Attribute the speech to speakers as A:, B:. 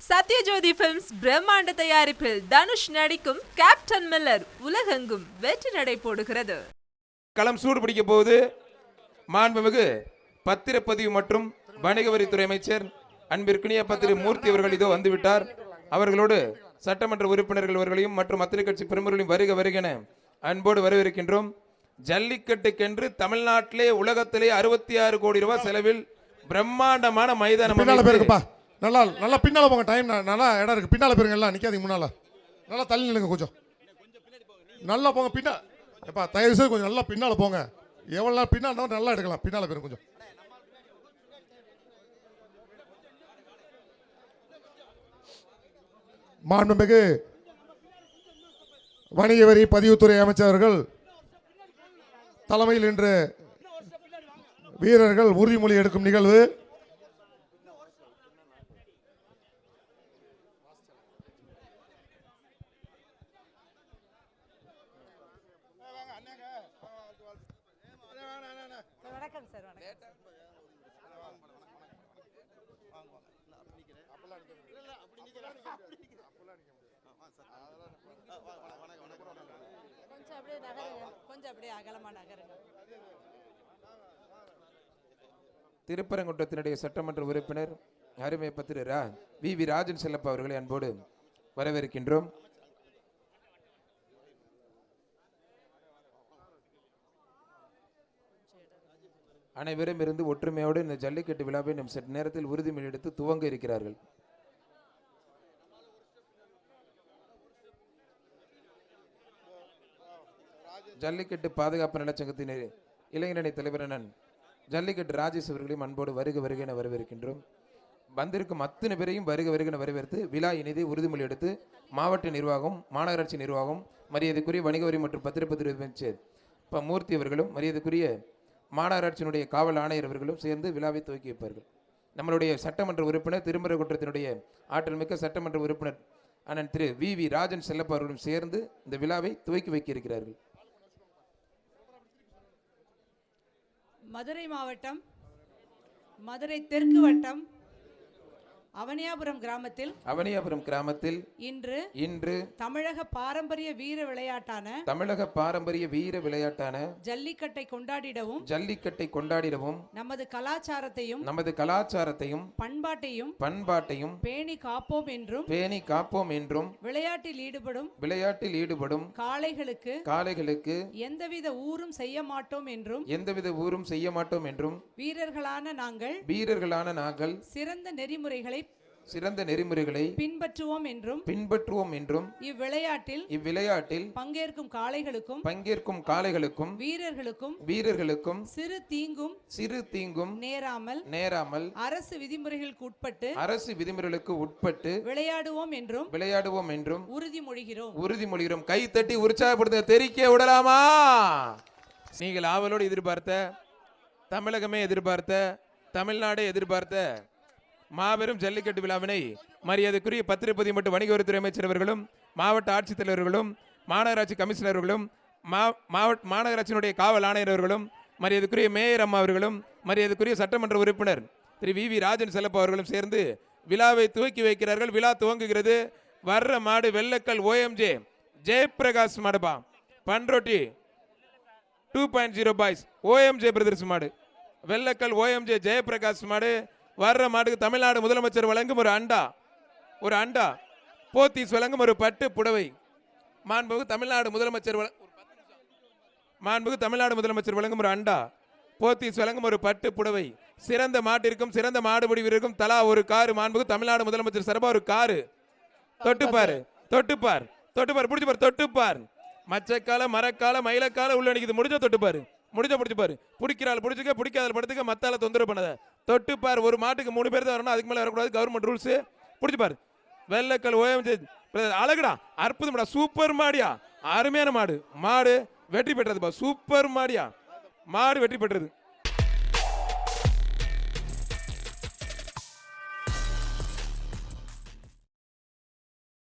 A: Sathyajothi films பிரம்மாண்ட தயாரிப்பில் தனுஷ் நடிக்கும் கேப்டன் மில்லர் உலகெங்கும் வெற்றி நடை போடுகிறது.
B: களம் சூடு பிடிக்க போது மாண்புமிகு பத்திரப்பதிவு மற்றும் வணிக வரித்துறை அமைச்சர் அன்பிற்குரிய பத்திரி மூர்த்தி அவர்கள் இதோ வந்துவிட்டார். அவர்களோடு சட்டமன்ற உறுப்பினர்கள் அவர்களையும் மற்றும் அத்திரை கட்சி பிரமுகர்களையும் வருக வருகென அன்போடு வரவேற்கின்றோம். ஜல்லிக்கட்டுக்கென்று தமிழ்நாட்டிலே உலகத்திலே 66 கோடி ரூபாய் செலவில் பிரம்மாண்டமான மைதானம்.
C: நல்லா நல்லா பின்னால போங்க, டைம் நல்லா இடம் இருக்கு. பின்னால போயிருங்க, எல்லாம் நிக்காதீங்க, முன்னால நல்லா தள்ளி நில்லுங்க, கொஞ்சம் நல்லா போங்க. பின்னா எப்பா தயவு செய்து கொஞ்சம் நல்லா பின்னால போங்க. எவ்வளோ நேரம் பின்னால் நல்லா எடுக்கலாம், பின்னால போயிருங்க கொஞ்சம். மாண்புமிகு வணிக வரி பதிவுத்துறை அமைச்சர்கள் தலைமையில் இன்று வீரர்கள் உறுதிமொழி எடுக்கும் நிகழ்வு.
B: திருப்பரங்குன்றத்தினுடைய சட்டமன்ற உறுப்பினர் அருமை பத்திர வி ராஜன் செல்லப்பா அவர்களை அன்போடு வரவேற்கின்றோம். அனைவரும் இருந்து ஒற்றுமையோடு இந்த ஜல்லிக்கட்டு விழாவை நம் சற்று நேரத்தில் உறுதிமொழி எடுத்து துவங்க இருக்கிறார்கள். ஜல்லிக்கட்டு பாதுகாப்பு நலச்சங்கத்தின் இளைஞரணி தலைவர் ஜல்லிக்கட்டு ராஜேஷ் அவர்களையும் அன்போடு வருக வருகென வரவேற்கின்றோம். வந்திருக்கும் அத்தனை பேரையும் வருக வருகென வரவேற்று விழா இனிதே உறுதிமொழி எடுத்து மாவட்ட நிர்வாகம், மாநகராட்சி நிர்வாகம், மரியாதைக்குரிய வணிக வரி மற்றும் பத்திரப்பதிவு அமைச்சர் மூர்த்தி அவர்களும், மரியாதைக்குரிய மாநகராட்சியினுடைய காவல் ஆணையர் அவர்களும் சேர்ந்து விழாவை துவக்கி வைப்பார்கள். நம்மளுடைய சட்டமன்ற உறுப்பினர் திருமரகுன்றத்தினுடைய ஆற்றல் மிக்க சட்டமன்ற உறுப்பினர் அண்ணன் திரு வி ராஜன் செல்லப்பா அவர்களும் சேர்ந்து இந்த விழாவை துவக்கி வைக்க இருக்கிறார்கள்.
D: மதுரை மாவட்டம் மதுரை தெற்கு வட்டம் அவனியாபுரம் கிராமத்தில் இன்று தமிழக பாரம்பரிய வீர விளையாட்டான ஜல்லிக்கட்டை கொண்டாடிடவும் நமது கலாச்சாரத்தையும் பண்பாட்டையும் பேணி காப்போம் என்றும் விளையாட்டில் ஈடுபடும் காளைகளுக்கு எந்தவித ஊரும் செய்ய மாட்டோம் என்றும் வீரர்களான நாங்கள் சிறந்த நெறிமுறைகளை பின்பற்றுவோம் என்றும் இவ்விளையாட்டில் பங்கேற்கும் காளைகளுக்கும் வீரர்களுக்கும் சிறு தீங்கும் நேராமல் அரசு விதிமுறைகளுக்கு உட்பட்டு விளையாடுவோம் என்றும் உறுதிமொழிகிறோம்.
B: கை தட்டி உற்சாகப்படுத்த தெரிக்க விடலாமா? நீங்கள் ஆவலோடு எதிர்பார்த்த, தமிழகமே எதிர்பார்த்த, தமிழ்நாடே எதிர்பார்த்த மாபெரும் ஜல்லிக்கட்டு விழாவினை மரியாதைக்குரிய பத்திரப்பதிவு மற்றும் வணிக வரித்துறை அமைச்சர் அவர்களும், மாவட்ட ஆட்சித்தலைவர்களும், மாநகராட்சி கமிஷனர்களும், மாநகராட்சியினுடைய காவல் ஆணையர் அவர்களும், மரியாதைக்குரிய மேயர் அம்மா அவர்களும், மரியாதைக்குரிய சட்டமன்ற உறுப்பினர் திரு வி ராஜன் செல்லப்பா அவர்களும் சேர்ந்து விழாவை துவக்கி வைக்கிறார்கள். விழா துவங்குகிறது. வர்ற மாடு வெள்ளக்கல் OMJ ஜெயபிரகாஷ் மாடுபா, பன்ரோட்டி 2.0 பாய்ஸ் OMJ பிரதர்ஸ் மாடு, வெள்ளக்கல் OMJ ஜெயபிரகாஷ் மாடு. வர்ற மாட்டுக்கு தமிழ்நாடு முதலமைச்சர் வழங்கும் ஒரு அண்டா, போத்தீஸ் வழங்கும் ஒரு பட்டு புடவை, மாண்புமிகு தமிழ்நாடு முதலமைச்சர் வழங்கும் ஒரு அண்டா, போத்தீஸ் வழங்கும் ஒரு பட்டு புடவை, சிறந்த மாட்டிற்கும் சிறந்த மாடுபிடி வீரருக்கும் தலா ஒரு காரு, மாண்புமிகு தமிழ்நாடு முதலமைச்சர் சார்பா ஒரு காரு. தொட்டுப்பார் பிடிச்சுப்பார், தொட்டுப்பார். மச்சக்கால மரக்கால மயிலக்கால உள்ள நிக்குது, முடிஞ்ச தொட்டுப்பாரு, பிடிச்சிப்பாரு. பிடிக்கிறாள் பிடிச்சிக்க, பிடிக்காத படுத்துக்க, மத்தால தொந்தரவு பண்ணாத. தொட்டுப்பார். ஒரு மாட்டுக்கு 3 பேர் தான் வரணும், அதுக்கு மேல வரக்கூடாது, கவர்மெண்ட் ரூல்ஸ். பிடிச்சிப்பாரு. வெள்ளக்கல் OMJ அழகுடா, அற்புதம்டா, சூப்பர் மாடியா, அருமையான மாடு வெற்றி பெற்றதுப்பா, சூப்பர் மாடியா, மாடு வெற்றி பெற்றது.